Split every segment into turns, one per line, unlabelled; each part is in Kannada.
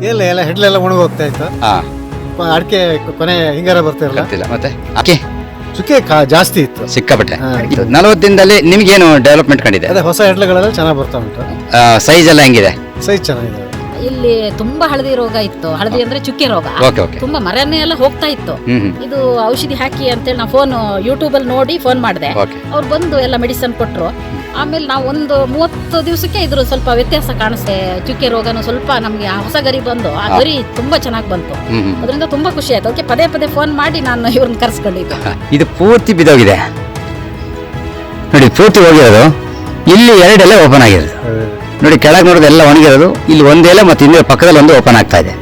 ಎಲ್ಲ ಹೆಡ್ಲೆಲ್ಲ ಒಣಗೋಗ್ತಾ ಇತ್ತು.
ಹಾಂ,
ಅಡಿಕೆ ಕೊನೆ ಹಿಂಗಾರ ಬರ್ತಿರಲ್ಲ,
ಗೊತ್ತಿಲ್ಲ. ಮತ್ತೆ ಅಕ್ಕಿ
ಚುಕ್ಕೆ ಜಾಸ್ತಿ ಇತ್ತು
ಸಿಕ್ಕಾಪಟ್ಟೆ. 40 ದಿನದಲ್ಲಿ ನಿಮ್ಗೇನು ಡೆವಲಪ್ಮೆಂಟ್ ಕಂಡಿದೆ?
ಅದೇ ಹೊಸ ಹೆಡ್ಲೆಗಳೆಲ್ಲ ಚೆನ್ನಾಗಿ ಬರ್ತಾ ಉಂಟು.
ಸೈಜ್ ಎಲ್ಲ ಹೆಂಗಿದೆ?
ಸೈಜ್ ಚೆನ್ನಾಗಿದೆ.
ಇಲ್ಲಿ ತುಂಬಾ ಹಳದಿ ರೋಗ ಇತ್ತು. ಹಳದಿ ಅಂದ್ರೆ ಚುಕ್ಕೆ ರೋಗ.
Okay okay.
ತುಂಬಾ ಮರನೇ ಎಲ್ಲ ಹೋಗ್ತಾ ಇತ್ತು. ಇದು ಔಷಧಿ ಹಾಕಿ ಅಂತೇಳಿ ನಾವು ಫೋನ್ ಯೂಟ್ಯೂಬ್ ಅಲ್ಲಿ ನೋಡಿ ಫೋನ್ ಮಾಡಿದೆ.
ಓಕೆ.
ಅವ್ರು ಬಂದು ಎಲ್ಲ ಮೆಡಿಸಿನ್ ಕೊಟ್ರು. ಆಮೇಲೆ ನಾವು ಒಂದು 30 ದಿವಸಕ್ಕೆ ಇದ್ರ ಸ್ವಲ್ಪ ವ್ಯತ್ಯಾಸ ಕಾಣಿಸ್ತೆ. ಚುಕ್ಕೆ ರೋಗನು ಸ್ವಲ್ಪ ನಮ್ಗೆ ಹೊಸ ಗರಿ ಬಂದು ಆ ಗರಿ ತುಂಬಾ ಚೆನ್ನಾಗಿ ಬಂತು. ಅದರಿಂದ ತುಂಬಾ ಖುಷಿ ಆಯ್ತು. ಅದಕ್ಕೆ ಪದೇ ಪದೇ ಫೋನ್ ಮಾಡಿ ನಾನು ಇವ್ರನ್ನ ಕರ್ಸ್ಕೊಂಡಿದ್ದೆ.
ಇದು ಪೂರ್ತಿ ಬಿದ್ದೋಗಿದೆ ನೋಡಿ, ಪೂರ್ತಿ ಹೋಗಿರೋದು. ಇಲ್ಲಿ 2 ಎಲೆ ಓಪನ್ ಆಗಿರೋದು ನೋಡಿ, ಕೆಳಗೆ ನೋಡೋದು ಎಲ್ಲ ಒಣಗಿರೋದು. ಇಲ್ಲಿ 1 ಎಲೆ ಮತ್ತು ಇನ್ನೊಂದು ಪಕ್ಕದಲ್ಲಿ 1 ಓಪನ್ ಆಗ್ತಾ ಇದೆ.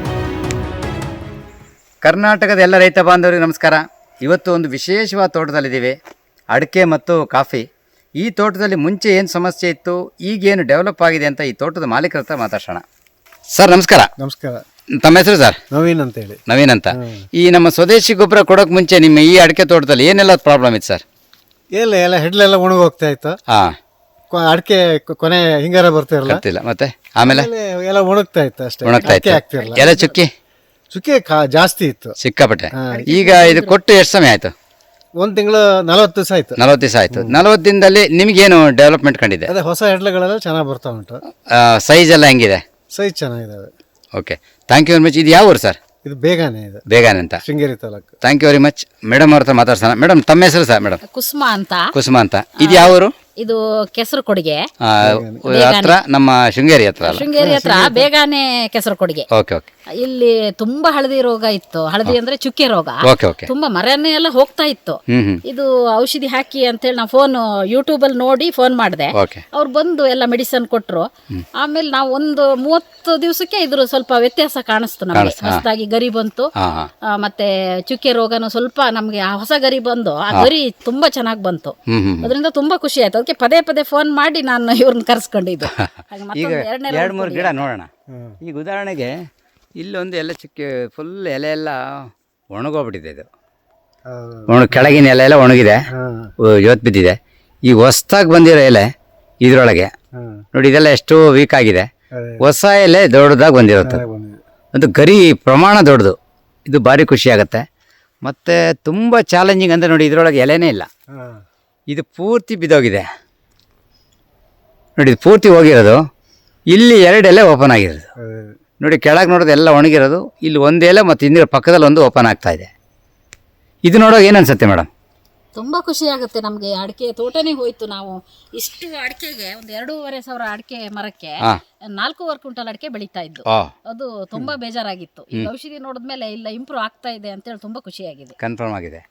ಕರ್ನಾಟಕದ ಎಲ್ಲ ರೈತ ಬಾಂಧವರಿಗೆ ನಮಸ್ಕಾರ. ಇವತ್ತು ಒಂದು ವಿಶೇಷವಾದ ತೋಟದಲ್ಲಿದ್ದೀವಿ, ಅಡಿಕೆ ಮತ್ತು ಕಾಫಿ. ಈ ತೋಟದಲ್ಲಿ ಮುಂಚೆ ಏನು ಸಮಸ್ಯೆ ಇತ್ತು, ಈಗೇನು ಡೆವಲಪ್ ಆಗಿದೆ ಅಂತ ಈ ತೋಟದ ಮಾಲೀಕರ ಹತ್ರ ಮಾತಾಡೋಣ. ಸರ್ ನಮಸ್ಕಾರ.
ನಮಸ್ಕಾರ.
ತಮ್ಮ ಹೆಸರು ಸರ್?
ನವೀನ್ ಅಂತ ಹೇಳಿ.
ನವೀನ್ ಅಂತ. ಈ ನಮ್ಮ ಸ್ವದೇಶಿ ಗೊಬ್ಬರ ಕೊಡೋಕೆ ಮುಂಚೆ ನಿಮ್ಮ ಈ ಅಡಿಕೆ ತೋಟದಲ್ಲಿ ಏನೆಲ್ಲ ಪ್ರಾಬ್ಲಮ್ ಇತ್ತು ಸರ್?
ಎಲ್ಲ ಹೆಡ್ಲೆಲ್ಲ ಒಣಗೋಗ್ತಾ ಇತ್ತು.
ಹಾಂ,
ಅಡಿಕೆ ಕೊನೆ ಹಿಂಗಾರ ಬರ್ತಿರಲ್ಲ,
ಗೊತ್ತಿಲ್ಲ. ಮತ್ತೆ ಆಮೇಲೆ
ಎಲ್ಲ ಒಣಗ್ತಾ ಇತ್ತು ಅಷ್ಟೇ,
ಒಣಗ್ತಾ ಇತ್ತು.
ಆಗ್ತಿರಲ್ಲ.
ಎಲೆ ಚುಕ್ಕಿ
ಚುಕ್ಕೆ ಜಾಸ್ತಿ ಇತ್ತು
ಸಿಕ್ಕಾಪಟ್ಟೆ. ಈಗ ಇದು ಕೊಟ್ಟು ಎಷ್ಟು ಸಮಯ ಆಯ್ತು?
1 ತಿಂಗಳು 40 ದಿವಸ ಆಯ್ತು.
40 ದಿವಸ ಆಯ್ತು. 40 ದಿನದಲ್ಲಿ ನಿಮ್ಗೇನು ಡೆವಲಪ್ಮೆಂಟ್ ಕಂಡಿದೆ?
ಅದೇ ಹೊಸ ಹೆಡ್ಲೆಗಳೆಲ್ಲ ಚೆನ್ನಾಗಿ ಬರ್ತಾ ಉಂಟು.
ಸೈಜ್ ಎಲ್ಲ ಹೆಂಗಿದೆ?
ಸೈಜ್ ಚೆನ್ನಾಗಿದ್ದಾವೆ.
Okay, thank you very much. ಇದು ಯಾವ ಊರು ಸರ್?
ಇದು ಬೇಗನೆ ಇದೆ,
ಬೇಗನೆ ಅಂತ,
ಶೃಂಗೇರಿ ತಾಲೂಕು.
Thank you very much. Madam ಅವ್ರ ಹತ್ರ ಮಾತಾಡ್ಸೋಣ. ಮೇಡಮ್ ತಮ್ಮ ಹೆಸರು ಸರ್? ಮೇಡಮ್
ಕುಸುಮ ಅಂತ.
ಕುಸುಮ ಅಂತ. ಇದು ಯಾವ ಊರು?
ಇದು ಕೆಸರು ಕೊಡಿಗೆ
ಹತ್ರ, ನಮ್ಮ ಶೃಂಗೇರಿ ಹತ್ರ ಅಲ್ಲ?
ಶೃಂಗೇರಿ ಹತ್ರ ಬೇಗಾನೆ ಕೆಸರು ಕೊಡಿಗೆ.
Okay okay.
ಇಲ್ಲಿ ತುಂಬಾ ಹಳದಿ ರೋಗ ಇತ್ತು. ಹಳದಿ ಅಂದ್ರೆ ಚುಕ್ಕೆ ರೋಗ.
Okay okay.
ತುಂಬಾ ಮರನೇ ಎಲ್ಲ ಹೋಗ್ತಾ ಇತ್ತು. ಇದು ಔಷಧಿ ಹಾಕಿ ಅಂತೇಳಿ ನಾವು ಫೋನ್ ಯೂಟ್ಯೂಬ್ ಅಲ್ಲಿ ನೋಡಿ ಫೋನ್ ಮಾಡಿದೆ.
ಓಕೆ.
ಅವ್ರು ಬಂದು ಎಲ್ಲ ಮೆಡಿಸಿನ್ ಕೊಟ್ರು. ಆಮೇಲೆ ನಾವು ಒಂದು 30 ದಿವಸಕ್ಕೆ ಇದ್ರ ಸ್ವಲ್ಪ ವ್ಯತ್ಯಾಸ ಕಾಣಿಸ್ತು ನಮಗೆ. ಹೊಸದಾಗಿ ಗರಿ ಬಂತು. ಮತ್ತೆ ಚುಕ್ಕೆ ರೋಗನು ಸ್ವಲ್ಪ ನಮ್ಗೆ ಹೊಸ ಗರಿ ಬಂದು ಆ ಗರಿ ತುಂಬಾ ಚೆನ್ನಾಗಿ ಬಂತು. ಅದರಿಂದ ತುಂಬಾ ಖುಷಿ ಆಯ್ತು. ಅದಕ್ಕೆ ಪದೇ ಪದೇ ಫೋನ್ ಮಾಡಿ ನಾನು ಇವ್ರನ್ನ ಕರ್ಸ್ಕೊಂಡಿದ್ದು.
ಈಗ 2-3 ಗಿಡ ನೋಡೋಣ. ಈಗ ಉದಾಹರಣೆಗೆ ಇಲ್ಲೊಂದು ಎಲೆ ಚುಕ್ಕೆ ಫುಲ್ ಎಲೆ ಎಲ್ಲ ಒಣಗೋಗ್ಬಿಟ್ಟಿದೆ. ಇದು ಕೆಳಗಿನ ಎಲೆ ಎಲ್ಲ ಒಣಗಿದೆ, ಇವತ್ತು ಬಿದ್ದಿದೆ. ಈ ಹೊಸ್ದಾಗಿ ಬಂದಿರೋ ಎಲೆ ಇದ್ರೊಳಗೆ ನೋಡಿ, ಇದೆಲ್ಲ ಎಷ್ಟು ವೀಕ್ ಆಗಿದೆ. ಹೊಸ ಎಲೆ ದೊಡ್ಡದಾಗಿ ಬಂದಿರುತ್ತೆ. ಅದು ಗರಿ ಪ್ರಮಾಣ ದೊಡ್ಡದು. ಇದು ಭಾರಿ ಖುಷಿ ಆಗುತ್ತೆ. ಮತ್ತು ತುಂಬ ಚಾಲೆಂಜಿಂಗ್ ಅಂದರೆ ನೋಡಿ, ಇದರೊಳಗೆ ಎಲೆನೇ ಇಲ್ಲ. ಇದು ಪೂರ್ತಿ ಬಿದ್ದೋಗಿದೆ ನೋಡಿ, ಇದು ಪೂರ್ತಿ ಹೋಗಿರೋದು. ಇಲ್ಲಿ 2 ಎಲೆ ಓಪನ್ ಆಗಿರೋದು ನೋಡಿ, ಕೆಳಗೆ ನೋಡೋದು ಎಲ್ಲ ಒಣಗಿರೋದು. ಇಲ್ಲಿ 1 ಎಲೆ ಮತ್ತು ಇನ್ನೊಂದು ಪಕ್ಕದಲ್ಲಿ 1 ಓಪನ್ ಆಗ್ತಾ ಇದೆ. ಇದು ನೋಡೋಕೆ ಏನು ಅನ್ಸುತ್ತೆ ಮೇಡಮ್?
ತುಂಬಾ ಖುಷಿ ಆಗುತ್ತೆ ನಮ್ಗೆ. ಅಡಿಕೆ ತೋಟನೇ ಹೋಯ್ತು. ನಾವು ಇಷ್ಟು ಅಡಿಕೆಗೆ ಒಂದು 2,500 ಅಡಿಕೆ ಮರಕ್ಕೆ 4 ಕ್ವಿಂಟಲ್ ಅಡಿಕೆ ಬೆಳೀತಾ ಇದ್ದು. ಅದು ತುಂಬಾ ಬೇಜಾರಾಗಿತ್ತು. ಈ ಔಷಧಿ ನೋಡಿದ್ಮೇಲೆ ಇಲ್ಲ ಇಂಪ್ರೂವ್ ಆಗ್ತಾ ಇದೆ ಅಂತೇಳಿ ತುಂಬಾ ಖುಷಿಯಾಗಿದೆ.
ಕನ್ಫರ್ಮ್ ಆಗಿದೆ.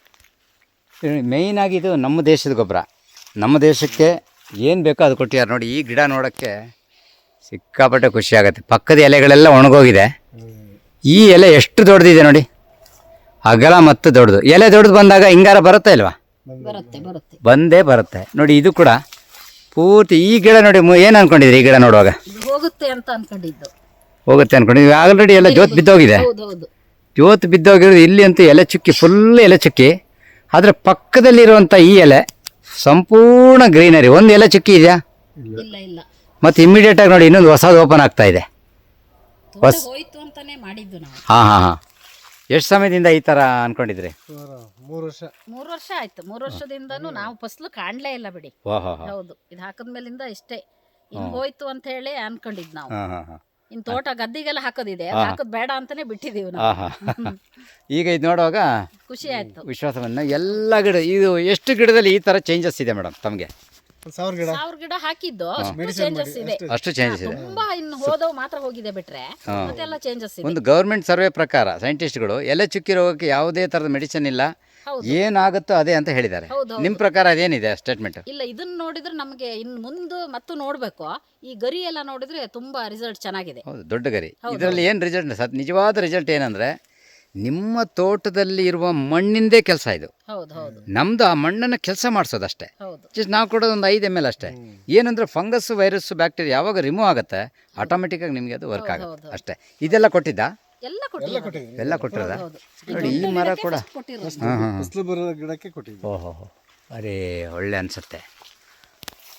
ಮೇಯ್ನ್ ಆಗಿ ಇದು ನಮ್ಮ ದೇಶದ ಗೊಬ್ಬರ. ನಮ್ಮ ದೇಶಕ್ಕೆ ಏನು ಬೇಕೋ ಅದು ಕೊಟ್ಟಿದ್ದಾರೆ ನೋಡಿ. ಈ ಗಿಡ ನೋಡೋಕ್ಕೆ ಸಿಕ್ಕಾಪಟ್ಟೆ ಖುಷಿ ಆಗುತ್ತೆ. ಪಕ್ಕದ ಎಲೆಗಳೆಲ್ಲ ಒಣಗೋಗಿದೆ. ಈ ಎಲೆ ಎಷ್ಟು ದೊಡ್ಡದಿದೆ ನೋಡಿ, ಅಗಲ ಮತ್ತು ದೊಡ್ಡದು. ಎಲೆ ದೊಡ್ಡದು ಬಂದಾಗ ಹಿಂಗಾರ ಬರುತ್ತಾ ಇಲ್ವಾ?
ಬರುತ್ತೆ
ಬಂದೇ ಬರುತ್ತೆ ನೋಡಿ. ಇದು ಕೂಡ ಪೂರ್ತಿ ಈ ಗಿಡ ನೋಡಿ. ಏನು ಅನ್ಕೊಂಡಿದ್ರಿ ಈ ಗಿಡ ನೋಡುವಾಗ?
ಹೋಗುತ್ತೆ ಅಂತ ಅನ್ಕೊಂಡಿದ್ದು.
ಹೋಗುತ್ತೆ ಅನ್ಕೊಂಡಿದ್ವಿ. ಆಲ್ರೆಡಿ ಎಲ್ಲ ಜೋತ್ ಬಿದ್ದೋಗಿದೆ. ಜೋತ್ ಬಿದ್ದೋಗಿರೋದು. ಇಲ್ಲಿ ಅಂತೂ ಎಲೆ ಚುಕ್ಕಿ, ಫುಲ್ ಎಲೆ ಚುಕ್ಕಿ. ಆದರೆ ಪಕ್ಕದಲ್ಲಿರುವಂಥ ಈ ಎಲೆ ಸಂಪೂರ್ಣ ಗ್ರೀನರಿ. 1 ಎಲೆ ಚುಕ್ಕಿ ಇದೆಯಾ?
ಇಲ್ಲ.
ಮತ್ತು ಇಮಿಡಿಯೇಟಾಗಿ ನೋಡಿ ಇನ್ನೊಂದು ಹೊಸದು ಓಪನ್ ಆಗ್ತಾ ಇದೆ.
ಹೋಯ್ತು ಅಂತಾನೆ ಮಾಡಿದ್ದು ನಾವು.
ಹಾಂ. ಎಷ್ಟು ಸಮಯದಿಂದ ಈ ಥರ ಅನ್ಕೊಂಡಿದ್ರಿ?
3 ವರ್ಷ.
3 ವರ್ಷ ಆಯ್ತು. 3 ವರ್ಷದಿಂದನೂ ನಾವು ಫಸಲು ಕಾಣ್ಲೇ ಇಲ್ಲ ಬಿಡಿ. ಹೌದು, ಇದು ಹಾಕದ್ಮೇಲಿಂದ ಇಷ್ಟೇ ಹಿಂಗ್ ಹೋಯ್ತು ಅಂತ ಹೇಳಿ ಅನ್ಕೊಂಡಿದ್ ನಾವು. ಇನ್ ತೋಟ ಗದ್ದಿಗೆಲ್ಲ ಹಾಕೋದಿದೆ, ಹಾಕೋದ್ ಬೇಡ ಅಂತಾನೆ ಬಿಟ್ಟಿದೀವಿ ನಾವು.
ಈಗ ಇದು ನೋಡುವಾಗ
ಖುಷಿ ಆಯ್ತು.
ವಿಶ್ವಾಸವನ್ನ ಎಲ್ಲ ಗಿಡ. ಇದು ಎಷ್ಟು ಗಿಡದಲ್ಲಿ ಈ ತರ ಚೇಂಜಸ್ ಇದೆ ಮೇಡಮ್ ತಮಗೆ?
1000 ಗಿಡ ಹಾಕಿದ್ದು ಚೇಂಜಸ್ ಇದೆ.
ಅಷ್ಟು ಚೇಂಜಸ್ ಇದೆ.
ತುಂಬಾ ಇನ್ನು ಹೋದವು ಮಾತ್ರ ಹೋಗಿದೆ ಬಿಟ್ರೆ ಮತ್ತೆಲ್ಲ ಚೇಂಜಸ್ ಇದೆ.
ಒಂದು ಗವರ್ಮೆಂಟ್ ಸರ್ವೆ ಪ್ರಕಾರ ಸೈಂಟಿಸ್ಟ್ಗಳು ಎಲೆ ಚುಕ್ಕಿ ರೋಗಕ್ಕೆ ಯಾವುದೇ ತರದ ಮೆಡಿಸಿನ್ ಇಲ್ಲ, ಏನಾಗುತ್ತೋ ಅದೇ ಅಂತ ಹೇಳಿದ್ದಾರೆ. ನಿಮ್ ಪ್ರಕಾರ ಅದೇನಿದೆ ಸ್ಟೇಟ್ಮೆಂಟ್?
ಇಲ್ಲ, ಇದನ್ನ ನೋಡಿದ್ರೆ ನಮಗೆ ಇನ್ನು ಮುಂದೆ ಮತ್ತು ನೋಡ್ಬೇಕು. ಈ ಗರಿ ಎಲ್ಲ ನೋಡಿದ್ರೆ ತುಂಬಾ ರಿಸಲ್ಟ್ ಚೆನ್ನಾಗಿದೆ.
ಹೌದು, ದೊಡ್ಡ ಗರಿ. ಇದರಲ್ಲಿ ಏನು ರಿಸಲ್ಟ್, ನಿಜವಾದ ರಿಸಲ್ಟ್ ಏನಂದ್ರೆ ನಿಮ್ಮ ತೋಟದಲ್ಲಿ ಇರುವ ಮಣ್ಣಿಂದೇ ಕೆಲಸ ಇದು. ನಮ್ದು ಆ ಮಣ್ಣನ್ನು ಕೆಲಸ ಮಾಡಿಸೋದಷ್ಟೇ. ಜಸ್ಟ್ ನಾವು ಕೊಡೋದು ಒಂದು 5 ml ಅಷ್ಟೇ. ಏನಂದ್ರೆ ಫಂಗಸ್, ವೈರಸ್, ಬ್ಯಾಕ್ಟೀರಿಯಾ ಯಾವಾಗ ರಿಮೂವ್ ಆಗುತ್ತೆ ಆಟೋಮೆಟಿಕ್ ಆಗಿ ನಿಮಗೆ ಅದು ವರ್ಕ್ ಆಗುತ್ತೆ ಅಷ್ಟೇ. ಇದೆಲ್ಲ ಕೊಟ್ಟಿದ್ದ?
ಎಲ್ಲ
ಕೊಟ್ಟಿರೋದ ನೋಡಿ. ಈ ಮರ ಕೂಡ
ಗಿಡಕ್ಕೆ ಕೊಟ್ಟಿದ್ದು.
ಓಹೋ, ಅರೇ ಒಳ್ಳೆ ಅನ್ಸುತ್ತೆ.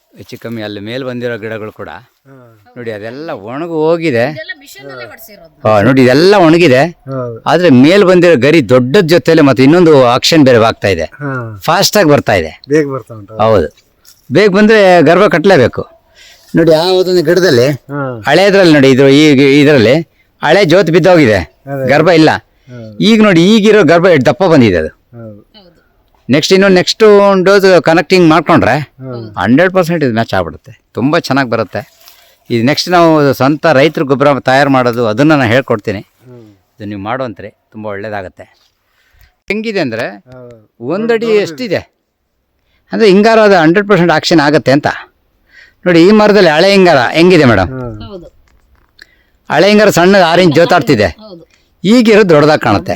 ಹೆಚ್ಚು ಕಮ್ಮಿ ಅಲ್ಲಿ ಮೇಲೆ ಬಂದಿರೋ ಗಿಡಗಳು ಕೂಡ ನೋಡಿ ಅದೆಲ್ಲ ಒಣಗಿ ಹೋಗಿದೆ. ನೋಡಿ ಇದೆಲ್ಲ ಒಣಗಿದೆ, ಆದ್ರೆ ಮೇಲ್ ಬಂದಿರೋ ಗರಿ ದೊಡ್ಡದ ಜೊತೆಲೆ ಮತ್ತೆ ಇನ್ನೊಂದು ಆಕ್ಷನ್ ಬೇರೆ ಆಗ್ತಾ ಇದೆ, ಫಾಸ್ಟ್ ಆಗಿ ಬರ್ತಾ ಇದೆ.
ಬೇಗ ಬರ್ತಾ ಉಂಟು.
ಹೌದು, ಬೇಗ ಬಂದ್ರೆ ಗರ್ಭ ಕಟ್ಟಲೇಬೇಕು. ನೋಡಿ ಆ ಒಂದು ಗಿಡದಲ್ಲಿ ಹಳೆದ್ರಲ್ಲಿ ನೋಡಿ ಇದರಲ್ಲಿ ಹಳೆ ಜೋತ್ ಬಿದ್ದೋಗಿದೆ, ಗರ್ಭ ಇಲ್ಲ. ಈಗ ನೋಡಿ ಈಗಿರೋ ಗರ್ಭ ಎಷ್ಟು ದಪ್ಪ ಬಂದಿದೆ ಅದು. ನೆಕ್ಸ್ಟ್ ಒಂದು ಡೋಸ್ ಕನೆಕ್ಟಿಂಗ್ ಮಾಡ್ಕೊಂಡ್ರೆ 100% ಇದು ಮ್ಯಾಚ್ ಆಗ್ಬಿಡುತ್ತೆ, ತುಂಬ ಚೆನ್ನಾಗಿ ಬರುತ್ತೆ. ಇದು ನೆಕ್ಸ್ಟ್ ನಾವು ಸ್ವಂತ ರೈತರ ಗೊಬ್ಬರ ತಯಾರು ಮಾಡೋದು ಅದನ್ನು ನಾನು ಹೇಳ್ಕೊಡ್ತೀನಿ. ಇದು ನೀವು ಮಾಡುವಂತ್ರಿ, ತುಂಬ ಒಳ್ಳೇದಾಗತ್ತೆ. ಹೆಂಗಿದೆ ಅಂದರೆ ಒಂದಡಿ ಎಷ್ಟಿದೆ ಅಂದರೆ ಹಿಂಗಾರ ಅದು 100% ಆಕ್ಷನ್ ಆಗುತ್ತೆ ಅಂತ. ನೋಡಿ ಈ ಮರದಲ್ಲಿ ಹಳೆ ಹಿಂಗಾರ ಹೆಂಗಿದೆ ಮೇಡಮ್, ಹಳೆ ಹಿಂಗಾರ ಸಣ್ಣ 6 ಇಂಚ್ ಜೋತಾಡ್ತಿದೆ, ಈಗಿರೋದು ದೊಡ್ಡದಾಗಿ ಕಾಣುತ್ತೆ.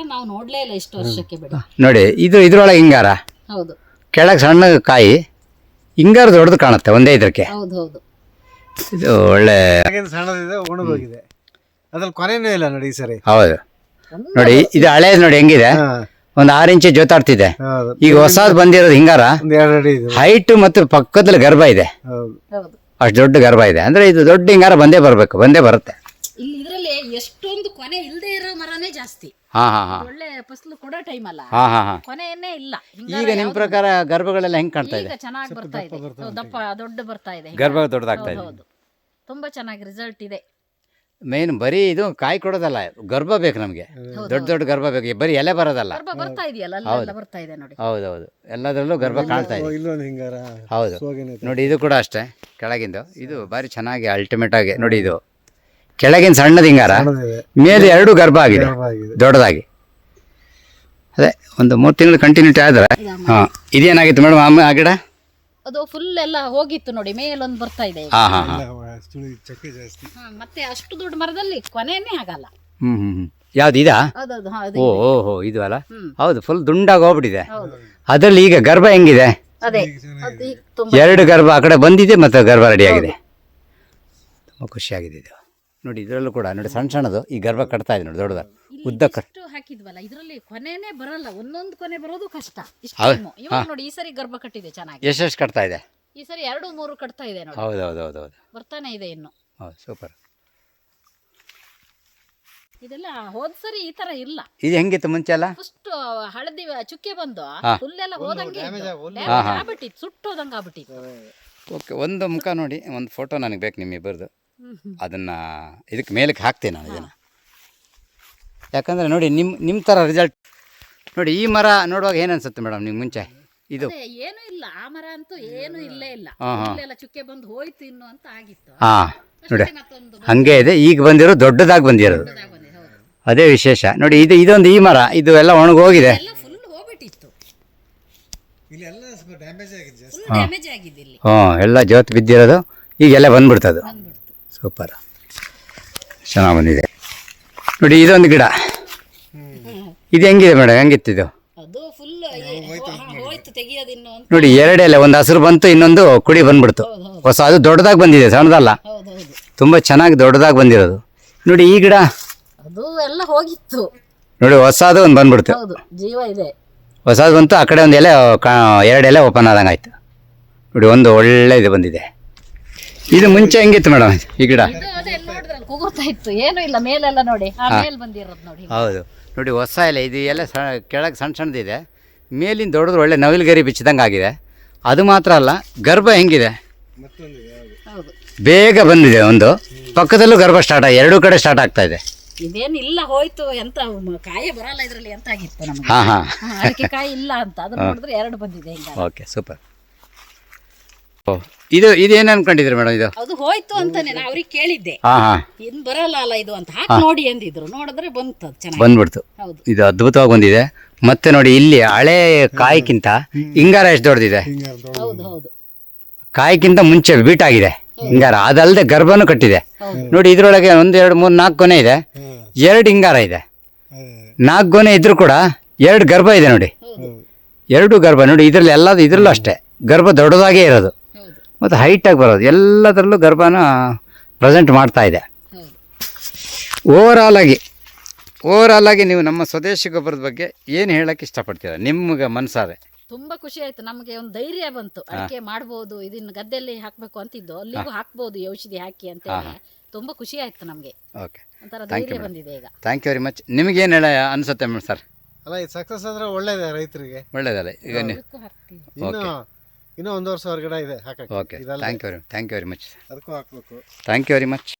ನೋಡಿ ಇದ್ರೊಳಗೆ ಹಿಂಗಾರ, ಕೆಳಗೆ ಸಣ್ಣ ಕಾಯಿ, ಹಿಂಗಾರ ದೊಡ್ಡದು ಕಾಣುತ್ತೆ ಒಂದೇ ಇದಕ್ಕೆ. ಇದು ಒಳ್ಳೆ
ಸಣ್ಣದಿದೆ, ಒಣಗೋಗಿದೆ, ಅದ್ರಲ್ಲಿ ಕೊನೆನೂ ಇಲ್ಲ ನೋಡಿ ಈ ಸರಿ.
ಹೌದು, ನೋಡಿ ಇದು ಹಳೇದು ನೋಡಿ ಹೆಂಗಿದೆ, ಒಂದು 6 ಇಂಚ್ ಜೋತಾಡ್ತಿದೆ. ಈಗ ಹೊಸದು ಬಂದಿರೋದು ಹಿಂಗಾರ ಹೈಟ್ ಮತ್ತು ಪಕ್ಕದಲ್ಲಿ ಗರ್ಭ ಇದೆ, ಅಷ್ಟು ದೊಡ್ಡ ಗರ್ಭ ಇದೆ. ಅಂದ್ರೆ ಇದು ದೊಡ್ಡ ಹಿಂಗಾರ ಬಂದೇ ಬರುತ್ತೆ.
ಇದರಲ್ಲಿ ಎಷ್ಟೊಂದು ಕೊನೆ ಇಲ್ಲದೆ ಇರೋ ಮರನೇ ಜಾಸ್ತಿ. ಒಳ್ಳೆ ಫಸಲು ಕೊಡೋ ಟೈಮ್ ಅಲ್ಲ, ಕೊನೆಯನ್ನೇ ಇಲ್ಲ.
ಈಗ ನಿಮ್ಮ ಪ್ರಕಾರ ಗರ್ಭಗಳೆಲ್ಲ ಹೆಂಗ್ ಕಾಣ್ತಾ ಇದೆ?
ಚೆನ್ನಾಗಿ ಬರ್ತಾ ಇದೆ, ದೊಡ್ಡ ಬರ್ತಾ ಇದೆ,
ಗರ್ಭ ದೊಡ್ಡದಾಗ್ತಾ ಇದೆ.
ತುಂಬಾ ಚೆನ್ನಾಗಿ ರಿಸಲ್ಟ್ ಇದೆ.
ಮೇನ್ ಬರೀ ಇದು ಕಾಯಿ ಕೊಡೋದಲ್ಲ, ಗರ್ಭ ಬೇಕು ನಮಗೆ, ದೊಡ್ಡ ಗರ್ಭ ಬೇಕು, ಬರೀ ಎಲೆ ಬರೋದಲ್ಲ.
ಬರ್ತಾ ಇದೆಯಲ್ಲ, ಅಲ್ಲೆಲ್ಲ ಬರ್ತಾ ಇದೆ ನೋಡಿ.
ಹೌದೌದು, ಎಲ್ಲದರಲ್ಲೂ ಗರ್ಭ ಕಾಣ್ತಾ ಇದೆ. ಹೌದು, ನೋಡಿ ಇದು ಕೂಡ ಅಷ್ಟೇ, ಕೆಳಗಿಂದು ಇದು ಬಾರಿ ಚೆನ್ನಾಗಿ ಅಲ್ಟಿಮೇಟ್ ಆಗಿ ನೋಡಿ. ಇದು ಕೆಳಗಿನ ಸಣ್ಣದ ಹಿಂಗಾರ, ಮೇಲೆ 2 ಗರ್ಭ ಆಗಿದೆ ದೊಡ್ಡದಾಗಿ. ಅದೇ ಒಂದು 3 ತಿಂಗಳು ಕಂಟಿನ್ಯೂಟಿ ಆದ್ರೆ. ಇದೇನಾಗಿತ್ತು ಮೇಡಮ್ ಆ ಗಿಡ?
ಅದು ಫುಲ್ ಎಲ್ಲ ಹೋಗಿತ್ತು ನೋಡಿ, ಮೇಲೊಂದು ಬರ್ತಾ ಇದೆ. ಮತ್ತೆ ಅಷ್ಟು ದೊಡ್ಡ ಮರದಲ್ಲಿ ಕೊನೆಯೇ ಆಗಲ್ಲ.
ಯಾವ್ದು ಇದಾ? ಓಹೋ ಇದು ಅಲ್ಲ, ಹೌದು, ಫುಲ್ ದುಂಡಾಗಿ ಹೋಗ್ಬಿಟ್ಟಿದೆ. ಅದ್ರಲ್ಲಿ ಈಗ ಗರ್ಭ ಹೆಂಗಿದೆ? 2 ಗರ್ಭ ಆ ಕಡೆ ಬಂದಿದೆ, ಮತ್ತೆ ಗರ್ಭ ರೆಡಿ ಆಗಿದೆ. ತುಂಬ ಖುಷಿಯಾಗಿದೆ ಇದು. ನೋಡಿ ಇದರಲ್ಲೂ ಕೂಡ ನೋಡಿ ಸಣ್ಣದು ಈ ಗರ್ಭ ಕಟ್ತಾ ಇದೆ ನೋಡಿ, ದೊಡ್ಡದ ಉದ್ದ
ಹಾಕಿದ್ವಲ್ಲ, ಇದರಲ್ಲಿ ಕೊನೆನೇ ಬರಲ್ಲ, ಒಂದೊಂದು ಕೊನೆ ಬರೋದು ಕಷ್ಟ. ನೋಡಿ ಈ ಸರಿ ಗರ್ಭ ಕಟ್ಟಿದೆ ಚೆನ್ನಾಗಿ.
ಎಷ್ಟು ಕಟ್ತಾ ಇದೆ
ಈ ಸರಿ? 2-3 ಕಟ್ತಾ ಇದೆ ನೋಡಿ.
ಹೌದು,
ಬರ್ತಾನೆ ಇದೆ ಇನ್ನು.
ಹೌದು, ಸೂಪರ್.
ಇದೆಲ್ಲ ಹೋದ್ ಸರಿ ಈ ತರ ಇಲ್ಲ.
ಇದು ಹೆಂಗಿತ್ತು ಮುಂಚೆ ಎಲ್ಲ?
ಫಸ್ಟ್ ಹಳದಿ ಚುಕ್ಕೆ ಬಂದು ಫುಲ್ ಎಲ್ಲ ಹೋದಂಗೆ ಆಗ್ಬಿಟ್ಟಿತ್ತು, ಸುಟ್ಟೋದಂಗೆ ಆಗ್ಬಿಟ್ಟಿತ್ತು.
ಓಕೆ, ಒಂದು ಮುಖ ನೋಡಿ, ಒಂದು ಫೋಟೋ ನನಗೆ ಬೇಕು ನಿಮ್ಮಿಬ್ಬರದು. ಅದನ್ನು ಇದಕ್ಕೆ ಮೇಲಕ್ಕೆ ಹಾಕ್ತೀನಿ ನಾನು ಇದನ್ನು, ಯಾಕಂದರೆ ನೋಡಿ ನಿಮ್ಮ ಥರ ರಿಸಲ್ಟ್ ನೋಡಿ. ಈ ಮರ ನೋಡುವಾಗ ಏನು ಅನ್ಸುತ್ತೆ ಮೇಡಮ್ ನಿಮ್ಗೆ ಮುಂಚೆ? ಇದು
ಏನೂ ಇಲ್ಲ, ಆ ಮರ ಅಂತೂ ಏನೂ ಇಲ್ಲೇ ಇಲ್ಲ, ಎಲ್ಲ ಚುಕ್ಕೆ ಬಂದು ಹೋಯ್ತು ಇನ್ನು ಅಂತ ಆಗಿತ್ತು.
ನೋಡಿ ಹಂಗೆ ಇದೆ, ಈಗ ಬಂದಿರೋ ದೊಡ್ಡದಾಗಿ ಬಂದಿರೋದು, ಅದೇ ವಿಶೇಷ. ನೋಡಿ ಇದೊಂದು ಈ ಮರ, ಇದು ಎಲ್ಲ ಒಣಗೋಗಿದೆ, ಎಲ್ಲ ಜೋತ್ ಬಿದ್ದಿರೋದು, ಈಗೆಲ್ಲ ಬಂದ್ಬಿಡ್ತದು. ಸೂಪರ್, ಚೆನ್ನಾಗಿ ಬಂದಿದೆ. ನೋಡಿ ಇದೊಂದು ಗಿಡ, ಇದು ಹೆಂಗಿದೆ ಮೇಡಮ್, ಹೆಂಗಿತ್ತು ಇದು? ನೋಡಿ 2 ಎಲೆ, ಒಂದು ಹಸಿರು ಬಂತು, ಇನ್ನೊಂದು ಕುಡಿ ಬಂದ್ಬಿಡ್ತು ಹೊಸ. ಅದು ದೊಡ್ಡದಾಗಿ ಬಂದಿದೆ, ಸಣ್ಣದಲ್ಲ, ತುಂಬ ಚೆನ್ನಾಗಿ ದೊಡ್ಡದಾಗಿ ಬಂದಿರೋದು. ನೋಡಿ ಈ ಗಿಡ
ಅದು ಎಲ್ಲ ಹೋಗಿತ್ತು
ನೋಡಿ, ಹೊಸದು ಒಂದು ಬಂದ್ಬಿಡ್ತು,
ಜೀವ ಇದೆ,
ಹೊಸದು ಬಂತು. ಆ ಕಡೆ ಒಂದು ಎಲೆ 2 ಎಲೆ ಓಪನ್ ಆದಂಗೆ ಆಯ್ತು. ನೋಡಿ ಒಂದು ಒಳ್ಳೆ ಇದು ಬಂದಿದೆ. ಇದು ಮುಂಚೆ ಹೆಂಗಿತ್ತು ಮೇಡಮ್ ಈ ಗಿಡ?
ಏನು ಇಲ್ಲ, ಮೇಲೆಲ್ಲ ನೋಡಿ ಬಂದಿರೋದು ನೋಡಿ.
ಹೌದು, ನೋಡಿ ಹೊಸ ಎಲೆ, ಇದು ಎಲ್ಲ ಕೆಳಗೆ ಸಣ್ಣದಿದೆ, ಮೇಲಿಂದ ದೊಡ್ಡದು ಒಳ್ಳೆ ನವಿಲು ಗರಿ ಬಿಚ್ಚಿದಂಗೆ ಆಗಿದೆ. ಅದು ಮಾತ್ರ ಅಲ್ಲ, ಗರ್ಭ ಹೆಂಗಿದೆ, ಬೇಗ ಬಂದಿದೆ. ಒಂದು ಪಕ್ಕದಲ್ಲೂ ಗರ್ಭ ಸ್ಟಾರ್ಟ್ ಆಗಿ 2 ಕಡೆ ಸ್ಟಾರ್ಟ್ ಆಗ್ತಾ ಇದೆ.
ಇದೇನಿಲ್ಲ ಹೋಯ್ತು, ಎಂತ ಕಾಯಿ ಬರಲ್ಲ ಇದರಲ್ಲಿ ಅಂತ ಆಗಿತ್ತು ನಮಗೆ. ಅದಕ್ಕೆ ಕಾಯಿ ಇಲ್ಲ ಅಂತ, ಅದನ್ನ ನೋಡಿದ್ರೆ 2 ಬಂದಿದೆ.
Okay, super. ಇದೇನು ಅನ್ಕೊಂಡಿದ್ರಿ ಮೇಡಮ್? ಇದು
ಅದು ಹೋಯ್ತು ಅಂತಾನೆ ನಾ ಅವ್ರಿಗೆ ಕೇಳಿದ್ದೆ, ಇನ್ ಬರಲ್ಲ ಅಲ್ಲ ಇದು ಅಂತ, ಹಾಕಿ ನೋಡಿ ಅಂದಿದ್ರು. ನೋಡಿದ್ರೆ ಬಂತು, ಚೆನ್ನಾಗಿ ಬಂದ್ಬಿಡ್ತು.
ಇದು ಅದ್ಭುತವಾಗಿ ಬಂದಿದೆ. ಮತ್ತೆ ನೋಡಿ ಇಲ್ಲಿ ಹಳೆ ಕಾಯಿಗಿಂತ ಹಿಂಗಾರ ಎಷ್ಟು ದೊಡ್ಡದಿದೆ, ಕಾಯಿಗಿಂತ ಮುಂಚೆ ಬೀಟ್ ಆಗಿದೆ ಹಿಂಗಾರ. ಅದಲ್ಲದೆ ಗರ್ಭನೂ ಕಟ್ಟಿದೆ ನೋಡಿ. ಇದ್ರೊಳಗೆ 1, 2, 3, 4 ಗೊನೆ ಇದೆ, 2 ಹಿಂಗಾರ ಇದೆ. 4 ಗೊನೆ ಇದ್ರು ಕೂಡ 2 ಗರ್ಭ ಇದೆ ನೋಡಿ, 2 ಗರ್ಭ ನೋಡಿ. ಇದ್ರಲ್ಲಿ ಇದ್ರಲ್ಲೂ ಅಷ್ಟೇ ಗರ್ಭ ದೊಡ್ಡದಾಗೇ ಇರೋದು, ಮತ್ತು ಹೈಟಾಗಿ ಬರೋದು, ಎಲ್ಲದರಲ್ಲೂ ಗರ್ಭನ ಪ್ರೆಸೆಂಟ್ ಮಾಡ್ತಾ ಇದೆ. ಓವರಾಲ್ ಆಗಿ ನೀವು ನಮ್ಮ ಸ್ವದೇಶಿ ಗೊಬ್ಬರದ ಬಗ್ಗೆ ಏನು ಹೇಳೋಕ್ಕೆ ಇಷ್ಟಪಡ್ತೀರ ನಿಮ್ಗೆ ಮನಸಾರೆ?
ತುಂಬಾ ಖುಷಿ ಆಯ್ತು, ನಮಗೆ ಒಂದು ಧೈರ್ಯ ಬಂತು. ಅಡಿಕೆ ಮಾಡ್ಬೋದು, ಇದನ್ನ ಗದ್ದೆಯಲ್ಲಿ ಹಾಕ್ಬೇಕು ಅಂತಿದ್ದು, ಅಲ್ಲಿಗೂ ಹಾಕ್ಬೋದು ಈ ಔಷಧಿ ಹಾಕಿ ಅಂತ ಹೇಳಿ ತುಂಬಾ ಖುಷಿ ಆಯ್ತು ನಮಗೆ.
ಓಕೆ,
ಒಂಥರ ಧೈರ್ಯ ಬಂದಿದೆ ಈಗ.
Thank you very much. ನಿಮಗೇನು ಹೇಳ ಅನಿಸುತ್ತೆ ಸರ್?
ಅಲ್ಲ ಇದು ಸಕ್ಸಸ್ ಆದರೆ ಒಳ್ಳೇದೇ ರೈತರಿಗೆ.
ಒಳ್ಳೇದಲ್ಲ ಈಗ ನೀವು.
ಇನ್ನೂ 1 ವರ್ಷ ಹೊರಗಡೆ ಇದೆ ಹಾಕಕ್ಕೆ.
Okay, thank you very much.
ಅದಕ್ಕೂ ಹಾಕ್ಬೇಕು.
Thank you very much.